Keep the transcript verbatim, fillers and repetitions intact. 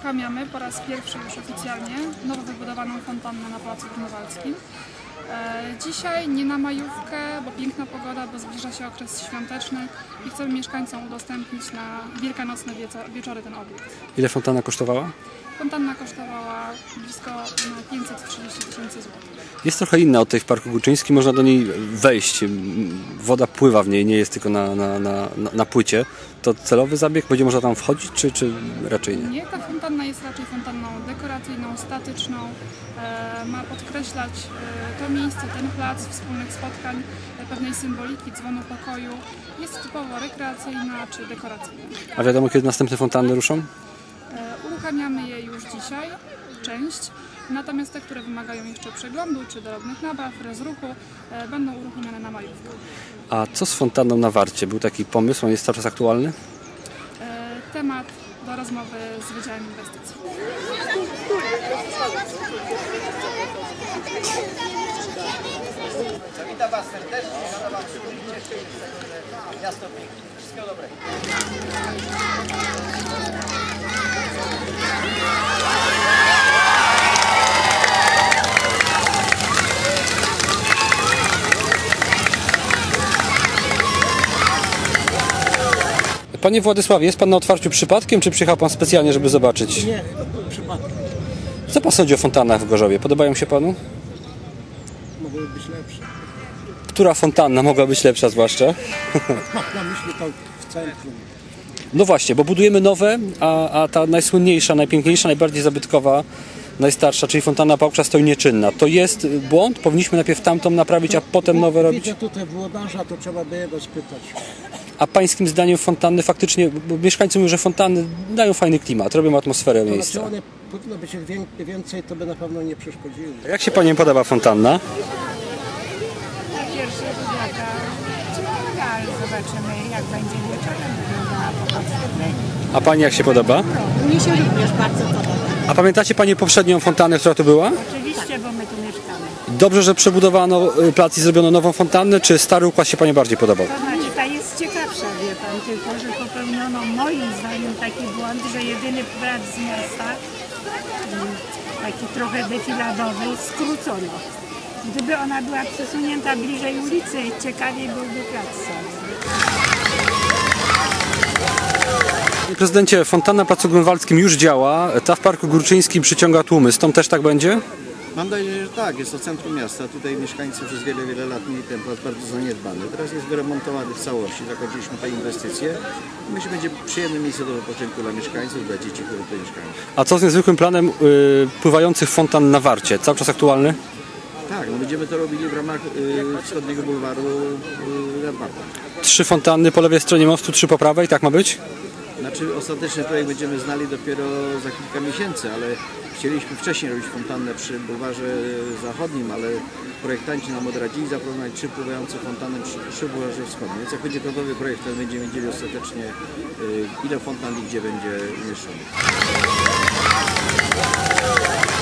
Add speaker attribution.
Speaker 1: uruchamiamy po raz pierwszy już oficjalnie nowo wybudowaną fontannę na Placu Grunwaldzkim. Dzisiaj nie na majówkę, bo piękna pogoda, bo zbliża się okres świąteczny i chcemy mieszkańcom udostępnić na wielkanocne wieczory ten obiekt.
Speaker 2: Ile fontanna kosztowała?
Speaker 1: Fontanna kosztowała blisko pięćset trzydzieści tysięcy złotych.
Speaker 2: Jest trochę inna od tej w Parku Górczyńskim, można do niej wejść. Woda pływa w niej, nie jest tylko na, na, na, na płycie. To celowy zabieg? Będzie można tam wchodzić, czy, czy raczej nie?
Speaker 1: Nie, ta fontanna jest raczej fontanną dekoracyjną, statyczną. E, ma podkreślać e, to miejsce, ten plac wspólnych spotkań, e, pewnej symboliki, dzwonu pokoju. Jest typowo rekreacyjna czy dekoracyjna.
Speaker 2: A wiadomo, kiedy następne fontanny ruszą?
Speaker 1: E, uruchamiamy je już dzisiaj, część. Natomiast te, które wymagają jeszcze przeglądu czy drobnych nabaw, rozruchu, e, będą uruchomione na majówkę.
Speaker 2: A co z fontanną na Warcie? Był taki pomysł, on jest cały czas aktualny?
Speaker 1: E, temat do rozmowy z Wydziałem Inwestycji.
Speaker 3: Witam Was serdecznie, życzę Wam szczęścia, miasto piękne. Wszystkiego dobrego.
Speaker 2: Panie Władysławie, jest Pan na otwarciu przypadkiem, czy przyjechał Pan specjalnie, żeby zobaczyć?
Speaker 4: Nie, przypadkiem.
Speaker 2: Co Pan sądzi o fontannach w Gorzowie? Podobają się Panu?
Speaker 4: Mogły być lepsze.
Speaker 2: Która fontanna mogła być lepsza zwłaszcza?
Speaker 4: Mam na myśli to w centrum.
Speaker 2: No właśnie, bo budujemy nowe, a, a ta najsłynniejsza, najpiękniejsza, najbardziej zabytkowa, najstarsza, czyli fontanna Pałcza, stoi nieczynna. To jest błąd? Powinniśmy najpierw tamtą naprawić, a potem nowe robić?
Speaker 4: Widzę tutaj włodarza, to trzeba by jego spytać.
Speaker 2: A pańskim zdaniem fontanny faktycznie, bo mieszkańcy mówią, że fontanny dają fajny klimat, robią atmosferę
Speaker 4: To
Speaker 2: miejsca.
Speaker 4: znaczy one powinno być więcej, to by na pewno nie przeszkodziły.
Speaker 2: Jak się Pani podoba fontanna?
Speaker 5: Na pierwszy rzut oka ciekawe, ale zobaczymy, jak będzie wieczorem wyglądała po potwierdzeniu.
Speaker 2: A Pani jak się podoba?
Speaker 5: Mnie się również bardzo podoba.
Speaker 2: A pamiętacie Pani poprzednią fontannę, która tu była?
Speaker 5: Oczywiście, bo my tu mieszkamy.
Speaker 2: Dobrze, że przebudowano plac i zrobiono nową fontannę, czy stary układ się Pani bardziej podobał?
Speaker 5: To znaczy, ta jest ciekawsza, wie pan, tylko że popełniono moim zdaniem taki błąd, że jedyny plac z miasta, taki trochę defiladowy, skrócono. Gdyby ona była przesunięta bliżej ulicy, ciekawiej byłby plac sam.
Speaker 2: Panie prezydencie, fontanna na Placu Grunwaldzkim już działa, ta w Parku Górczyńskim przyciąga tłumy. Z tą też tak będzie?
Speaker 6: Mam nadzieję, że tak. Jest to centrum miasta. Tutaj mieszkańcy przez wiele, wiele lat mieli ten plac bardzo zaniedbany. Teraz jest wyremontowany w całości. Zakończyliśmy te inwestycje. Myślę, że będzie przyjemne miejsce do wypoczynku dla mieszkańców, dla dzieci, które tutaj mieszkają.
Speaker 2: A co z niezwykłym planem yy, pływających fontan na Warcie? Cały czas aktualny?
Speaker 6: Tak, no będziemy to robili w ramach y, wschodniego bulwaru y, Radmarka.
Speaker 2: Trzy fontanny po lewej stronie mostu, trzy po prawej, tak ma być?
Speaker 6: Znaczy ostateczny projekt będziemy znali dopiero za kilka miesięcy, ale chcieliśmy wcześniej robić fontannę przy bulwarze zachodnim, ale projektanci nam odradzili zaproponować trzy pływające fontanny przy, przy bulwarze wschodnim. Więc jak będzie gotowy projekt, to będziemy wiedzieli ostatecznie y, ile fontan i gdzie będzie umieszczony.